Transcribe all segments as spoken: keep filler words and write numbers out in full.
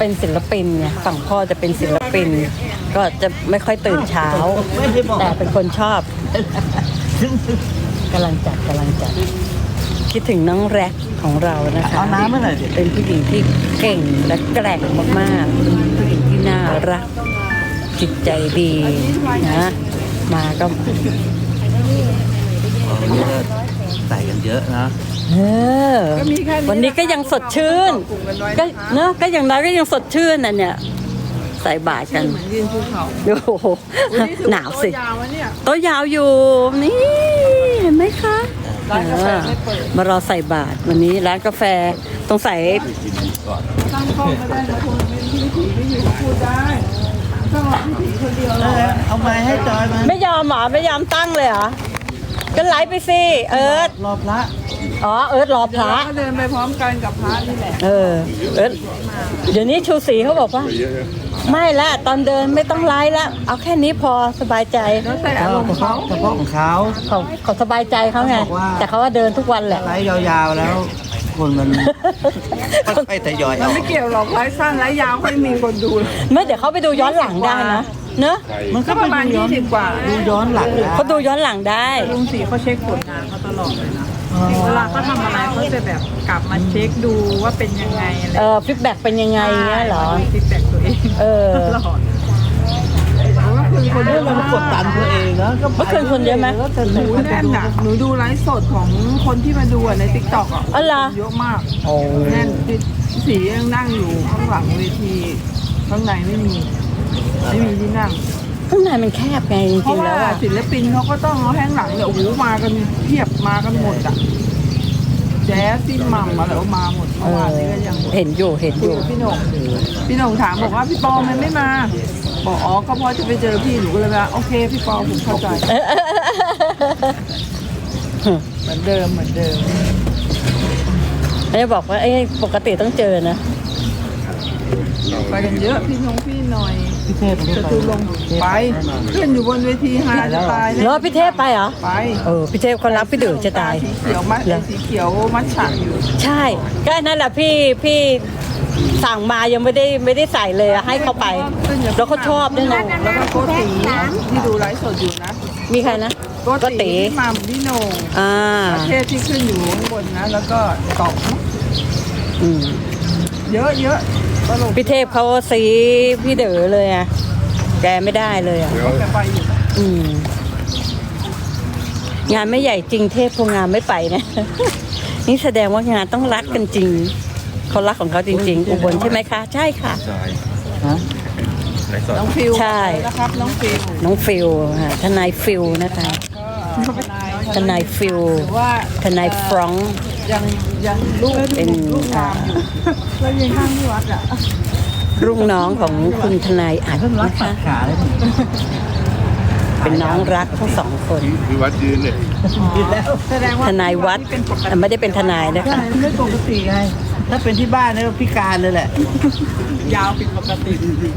เป็นศิลปินไงฝั่งพ่อจะเป็นศิลปิน ก็จะไม่ค่อยตื่นเช้า แต่เป็นคนชอบกำลังจัดกำลังจัดคิดถึงน้องแร็กของเรานะคะเอาน้ำมาหน่อยสิเป็นผู้หญิงที่เก่งและแกร่งมากๆเป็นผู้หญิงที่น่ารักจิตใจดีนะมาก็ใส่กันเยอะนะเออวันนี้ก็ยังสดชื่นก็เนอะก็อย่างน้อยก็ยังสดชื่นน่ะเนี่ยใส่บาตรกันโอ้โหหนาวสิโต๊ะยาวอยู่นี่เห็นไหมคะมารอใส่บาตรวันนี้ร้านกาแฟต้องใส่ตั้งกล้องก็ได้นะคนไม่มีผีไม่อยู่พูดได้ต้องรอพี่ผีคนเดียวเลยเอาไม้ให้จอยมาไม่ยอมหรอไม่ยอมตั้งเลยเหรอก็ไลฟ์ไปสิเอิร์ธรอพระอ๋อเอิร์ธรอพระก็เดินไปพร้อมกันกับพระนี่แหละเออเอิร์ธเดี๋ยวนี้ชูศรีเขาบอกว่าไม่ละตอนเดินไม่ต้องไลฟ์ละเอาแค่นี้พอสบายใจแล้วแต่อารมณ์เขาเฉพาะของเขาเขาเขาสบายใจเขาไงแต่เขาว่าเดินทุกวันแหละไลฟ์ยาวๆแล้วคนมันค่อยๆทยอยมันไม่เกี่ยวหรอกไลฟ์สั้นไลฟ์ยาวไม่มีคนดูไม่เดี๋ยวเขาไปดูย้อนหลังได้นะเนอะมันก็ประมาณยี่สิบกว่าดูย้อนหลังเขาดูย้อนหลังได้ลุงศรีเขาเช็คผลงานเขาตลอดเลยนะเวลาเขาทำอะไรเขาจะแบบกลับมาเช็คดูว่าเป็นยังไงอะไรเออฟีดแบ็กเป็นยังไงเงี้ยเหรอฟีดแบ็กตัวเองเออตลอดคือคนเยอะมันกดดันตัวเองนะก็เมื่อคืนคนเยอะไหมหนูแน่นอ่ะหนูดูไลฟ์สดของคนที่มาดูในติ๊กต็อกอ่ะเยอะมากแน่นสียังนั่งอยู่ข้างหลังเวทีข้างในไม่มีไม่มีที่นั่งข้างในมันแคบไงจริงๆแล้วอ่ะศิลปินเขาก็ต้องเอาแห้งหลังเนี่ยโอ้โหมากันเพียบมากันหมดอ่ะแจ๊สซิ่มัมอะไรก็มาหมดเมื่อวานนี้ก็ยังเห็นอยู่เห็นอยู่พี่หน่งพี่หน่งถามบอกว่าพี่ปอมันไม่มาบอกอ๋อก็เพราะจะไปเจอพี่หนูก็เลยว่าโอเคพี่ปอผมเข้าใจเหมือนเดิมเหมือนเดิมไอ้บอกว่าไอ้ปกติต้องเจอนะไปกันเยอะพี่นงพี่หน่อยจะตูลงไปขึ้นอยู่บนเวทีฮาจะตายแล้วพี่เทพไปเหรอไปเออพี่เทพคนรักพี่เดือจะตายสีเขียวมัดสีเขียวมัดฉากอยู่ใช่ก็นั่นแหละพี่พี่สั่งมายังไม่ได้ไม่ได้ใส่เลยให้เขาไปแล้วเขาชอบด้วยนะแล้วก็โกติที่ดูไลฟ์สดอยู่นะมีใครนะโกติพี่มัมพี่โหน่งอ่าประเทศที่ขึ้นอยู่ข้างบนนะแล้วก็ตอกอืมเยอะเยอะพี่เทพเขาซีพี่เด๋อเลยอ่ะแกไม่ได้เลยอ่ะอืมงานไม่ใหญ่จริงเทพพวกงานไม่ไปนะนี่แสดงว่างานต้องรักกันจริงเขารักของเขาจริงๆอุบลใช่ไหมคะใช่ค่ะน้องฟิวใช่นะครับน้องฟิวน้องฟิวค่ะทนายฟิวนะคะทนายฟิวทนายฟรองยังยังลูกเป็นแล้วยังข้างที่วัดอ่ะรุ่งน้องของคุณทนายอัดนะคะเป็นน้องรักทั้งสองคนที่วัดยืนเนี่ยแสดงว่าทนายวัดไม่ได้เป็นทนายนะคะไม่ปกติไงถ้าเป็นที่บ้านเนี่ยพิการเลยแหละยาวผิดปกติ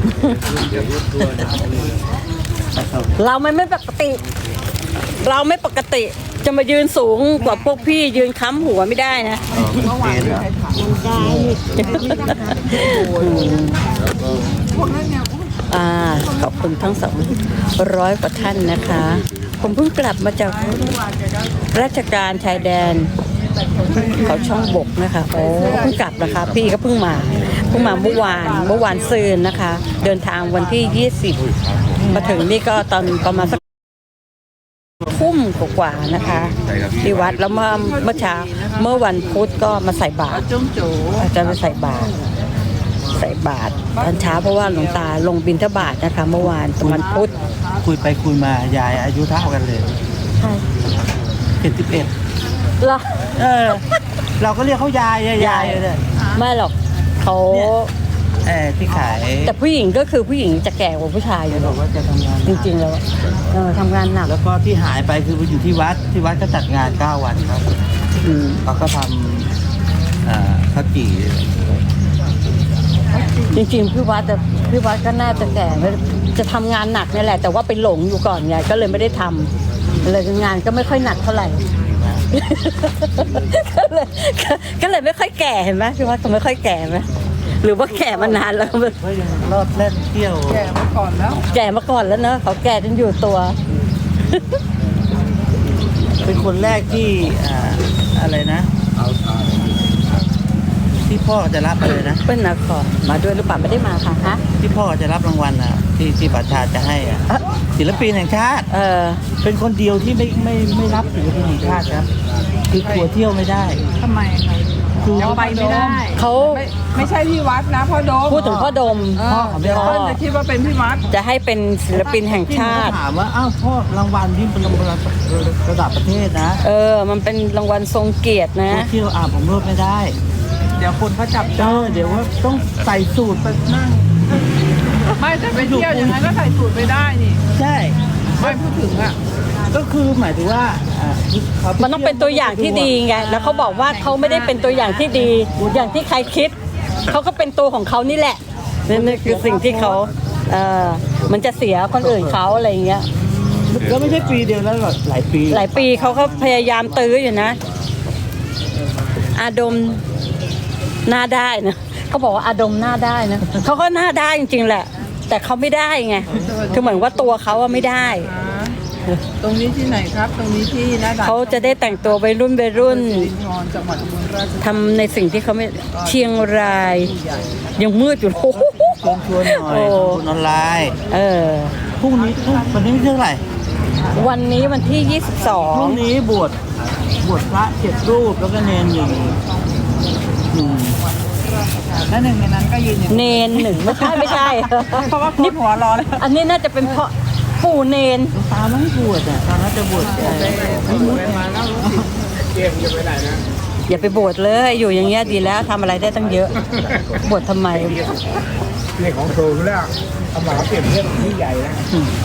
เราไม่ไม่ปกติเราไม่ปกติจะมายืนสูงกว่าพวกพี่ยืนค้ำหัวไม่ได้นะเมื่อวานใครถามได้พวกนั้นเนี่ยอ่าขอบคุณทั้งสองร้อยกว่าท่านนะคะผมเพิ่งกลับมาจากราชการชายแดนเขาช่องบกนะคะโอ้เพิ่งกลับนะคะพี่ก็เพิ่งมาเพิ่งมาเมื่อวานเมื่อวานซืนนะคะเดินทางวันที่ยี่สิบมาถึงนี่ก็ตอนประมาณสักทุ่มกว่าๆนะคะที่วัดแล้วเมื่อเมื่อเช้าเมื่อวันพุธก็มาใส่บาตรอาจารย์มาใส่บาตรใส่บาตรตอนเช้าเพราะว่าหลวงตาลงบิณฑบาตนะคะเมื่อวานตอนวันพุธคุยไปคุยมายายอายุเท่ากันเลยใช่เจ็ดสิบเอ็ดเหรอเออเราก็เรียกเขายายยายเลยไม่หรอกเขาเออที่ขายแต่ผู้หญิงก็คือผู้หญิงจะแก่กว่าผู้ชายอยู่บอกว่าจะทำงานจริงๆแล้วเออทำงานหนักแล้วก็ที่หายไปคือไปอยู่ที่วัดที่วัดก็จัดงานเก้าวันครับอืมเขาก็ทำอ่าข้าวจี่จริงๆพี่วัดแต่พี่วัดก็น่าจะแก่จะทำงานหนักนี่แหละแต่ว่าไปหลงอยู่ก่อนไงก็เลยไม่ได้ทำเลยงานก็ไม่ค่อยหนักเท่าไหร่ก็เลยก็เลยไม่ค่อยแก่เห็นไหมพี่วัดก็ไม่ค่อยแก่ไหมหรือว่าแก่มานานแล้วก็ยังรอดเล่นเที่ยวแก่มาก่อนแล้วแก่มาก่อนแล้วเนอะเขาแก่จนอยู่ตัวเป็นคนแรกที่อ่าอะไรนะ ที่พ่อจะรับอะไรนะเป็นนครมาด้วยหรือเปล่าไม่ได้มาค่ะฮะที่พ่อจะรับรางวัลอ่ะ ที่ที่ประชาจะให้อ่ะเอ่อศิลปินแห่งชาติเออเป็นคนเดียวที่ไม่ไม่ไม่รับศิลปินแห่งชาติครับ คือทัวร์เที่ยวไม่ได้ทำไมคะคือยังไปไม่ได้เขาไม่ไม่ใช่พี่วัดนะพ่อโดมพูดถึงพ่อดมเออเดี๋ยวเพิ่นจะคิดว่าเป็นพี่วัดจะให้เป็นศิลปินแห่งชาติถามว่าอ้าวพ่อรางวัลที่เป็นรางวัลระดับประเทศนะเออ มันเป็นรางวัลทรงเกียรตินะทัวร์เที่ยวอ่าผมรวดไม่ได้เดี๋ยวคนเขาจับเออเดี๋ยวว่าต้องใส่สูตรไปนั่งไม่แต่ไปเที่ยวอย่างนั้นก็ใส่สูตรไปได้นี่ใช่ไม่พูดถึงอ่ะก็คือหมายถึงว่าอ่าขาไมันต้องเป็นตัวอย่างที่ดีไง แล้วเขาบอกว่าเขาไม่ได้เป็นตัวอย่างที่ดี อย่างที่ใครคิด เขาก็เป็นตัวของเขานี่แหละนั่นคือสิ่งที่เขาเออมันจะเสียคนอื่นเขาอะไรอย่างเงี้ยก็ไม่ใช่ปีเดียวแล้วหรอกหลายปีหลายปีเขาก็พยายามตื้ออยู่นะ อาดมหน้าได้นะเขาบอกว่าอาดมหน้าได้นะเขาก็หน้าได้จริงๆแหละ แต่เขาไม่ได้ไงคือเหมือนว่าตัวเขาอะไม่ได้ตรงนี้ที่ไหนครับ ตรงนี้ที่หน้าด่านเขาจะได้แต่งตัววัยรุ่นวัยรุ่นสิรินทรจังหวัดอุบลราชธานีทำในสิ่งที่เขาไม่เชียงราย ยังมืดอยู่โอ้โหชวนชวนหน่อยโอ้ทำบุญออนไลน์เออพรุ่งนี้พรุ่งวันนี้เท่าไหร่วันนี้วันที่พรุ่งยี่สิบสองนี้บวชบวชพระเจ็ดรูปแล้วก็เนนหนึ่งหนึ่งและหนึ่งในนั้นก็ยืนอยู่เนนหนึ่งไม่ใช่ไม่ใช่เพราะว่าคนหัวรอเลยอันนี้น่าจะเป็นเพราะปู่เนนหลวงตาไม่บวชอ่ะตอนนั้นจะบวชเอ่ออย่าไปบวชเลยอยู่อย่างเงี้ยดีแล้วทำอะไรได้ตั้งเยอะ บวชทำไมเรื่องของครูแล้วทำหมาเปลี่ยนเรื่องที่ใหญ่แล้ว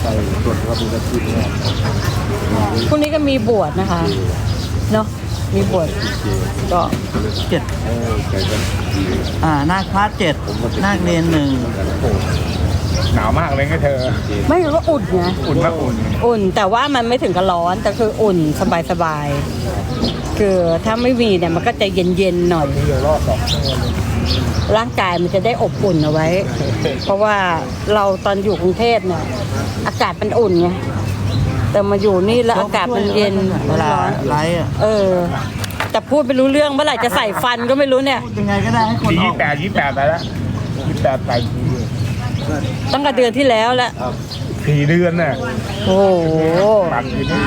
พรุ่งนี้ก็มีบวชนะคะเนาะมีบวชก็เจ็ดอ่านาคพระเจ็ดนาคเนนหนึ่งหนาวมากเลยไงเธอไม่รู้ว่าอุ่นไงอุ่นมากอุ่นอุ่นแต่ว่ามันไม่ถึงกับร้อนแต่คืออุ่นสบายสบายๆคือถ้าไม่มีเนี่ยมันก็จะเย็นๆหน่อยเดี๋ยวรอดสองชั่วโมงร่างกายมันจะได้อบอุ่นเอาไว้ เพราะว่าเราตอนอยู่กรุงเทพเนี่ยอากาศมันอุ่นไงแต่มาอยู่นี่แล้วอากาศมันเย็นเวลาร้อนไลฟ์อ่ะเออ แต่พูดไม่รู้เรื่องเมื่อไหร่จะใส่ฟันก็ไม่รู้เนี่ยยังไงก็ได้ให้คนอยี่อกแปดยี่แปดไปแล้วยี่แปดไปตั้งแต่เดือนที่แล้วแล้วสี่เดือนน่ะโอ้โหปักอยู่นี่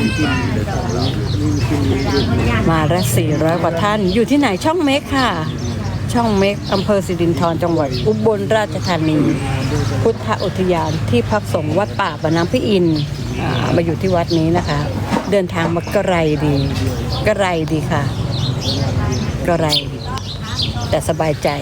มาละสี่ร้อยกว่าท่านอยู่ที่ไหนช่องเมกค่ะ ช่องเมกอำเภอสิรินธรจังหวัดอุบลราชธานี พุทธอุทยานที่พักสงฆ์วัดป่าบานน้ำพี่อินทร์อ่ามาอยู่ที่วัดนี้นะคะ เดินทางมาไกลดีไกลดีค่ะไกลแต่สบายใจ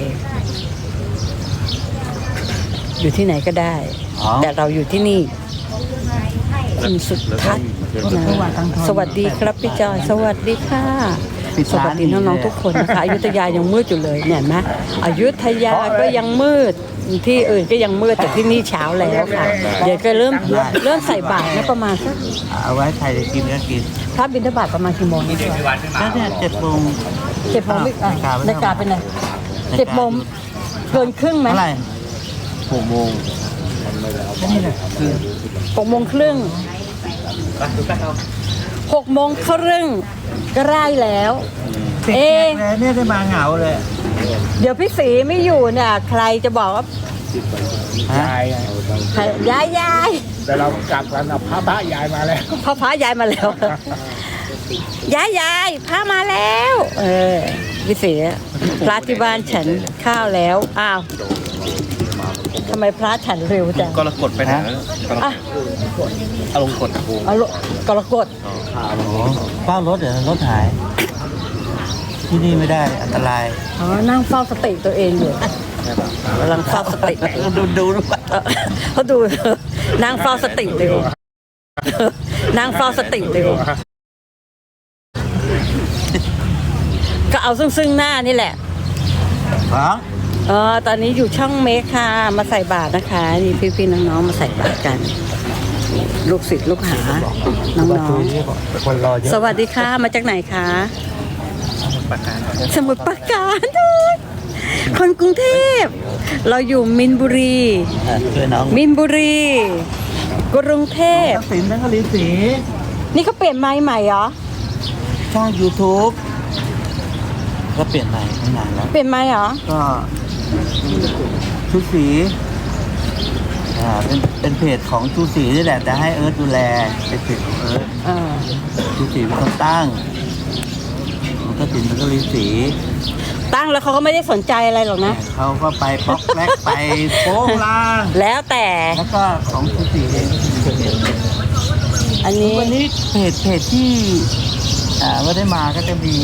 อยู่ที่ไหนก็ได้ แต่เราอยู่ที่นี่คุณสุทัศน์นะสวัสดีครับพี่จอยสวัสดีค่ะ สวัสดีน้องๆทุกคนนะคะอยุธยายังมืดอยู่เลยเนี่ยนะอยุธยาก็ยังมืดที่อื่นก็ยังมืดแต่ที่นี่เช้าแล้วค่ะ เดี๋ยวก็เริ่มเริ่มใส่บาตรนะประมาณสักเอาไว้ใครจะกินก็กินพระบิณฑบาตประมาณกี่โมงนี่คะแล้วเนี่ยเจ็ดโมงเจ็ดโมงไม่อ่ะนาฬิกาเป็นไงเจ็ดโมงเกินครึ่งไหมเท่าไหร่หกโมงก็นี่แหละคือหกโมงครึ่งหกโมงครึ่งก็ไล่แล้วติดเอ๊ะแขกเลยเนี่ยได้มาเหงาเลยเดี๋ยวพี่สีไม่อยู่เนี่ยใครจะบอกว่าฮะยายไงใครยายยายแต่เรากลับกันนะพระพระยายมาแล้วพ่อพระยายมาแล้ว ยายยายพระมาแล้ว เออพี่สีพระที่บ้านฉันข้าวแล้วอ้าวทำไมพระฉันเร็วจังกรกฎไปไหนแล้วกรกฎอ่ะอารมณ์กฎเอาลูกกรกฎเฝ้ารถเดี๋ยวรถหาย ที่นี่ไม่ได้อันตรายอ๋อนั่งเฝ้าสติตัวเองอยู่กำลังเฝ้าสติดูดูดูเออเขาดูนั่งเฝ้าสติตัวเองนั่งเฝ้าสติตัวเองก็เอาซึ่งซึ่งหน้านี่แหละฮะเออตอนนี้อยู่ช่องเมคค่ะมาใส่บาตรนะคะนี่พี่ๆน้องๆมาใส่บาตรกัน ลูกศิษย์ลูกหาน้องคนรอเยๆอะสวัสดีค่ะมาจากไหนคะประการสมุทรปราการด้วยคนกรุงเทพ เราอยู่มินบุรีอ่ะช่วยน้องมินบุรี กรุงเทพทักษิณแบงค์กะลีสีนี่เขาเปลี่ยนไม้ใหม่เหรอช่อง YouTube ก็เปลี่ยนใหม่ไม่นานแล้วเปลี่ยนไม้เหรอก็ชูสีอ่าเป็นเป็นเพจของชูสีนี่แหละแต่ให้เอิร์ธดูแลเป็นเพจของเอิร์ธเออชูสีเป็นคนตั้งมันก็ติดมันก็รีสีตั้งแล้วเขาก็ไม่ได้สนใจอะไรหรอกนะเขาก็ไปป๊อกแป๊กไปโป้งลางแล้วแต่แล้วก็ของชูสีเองอันนี้วันนี้เพจเพจที่อ่าไม่ได้มาก็จะมี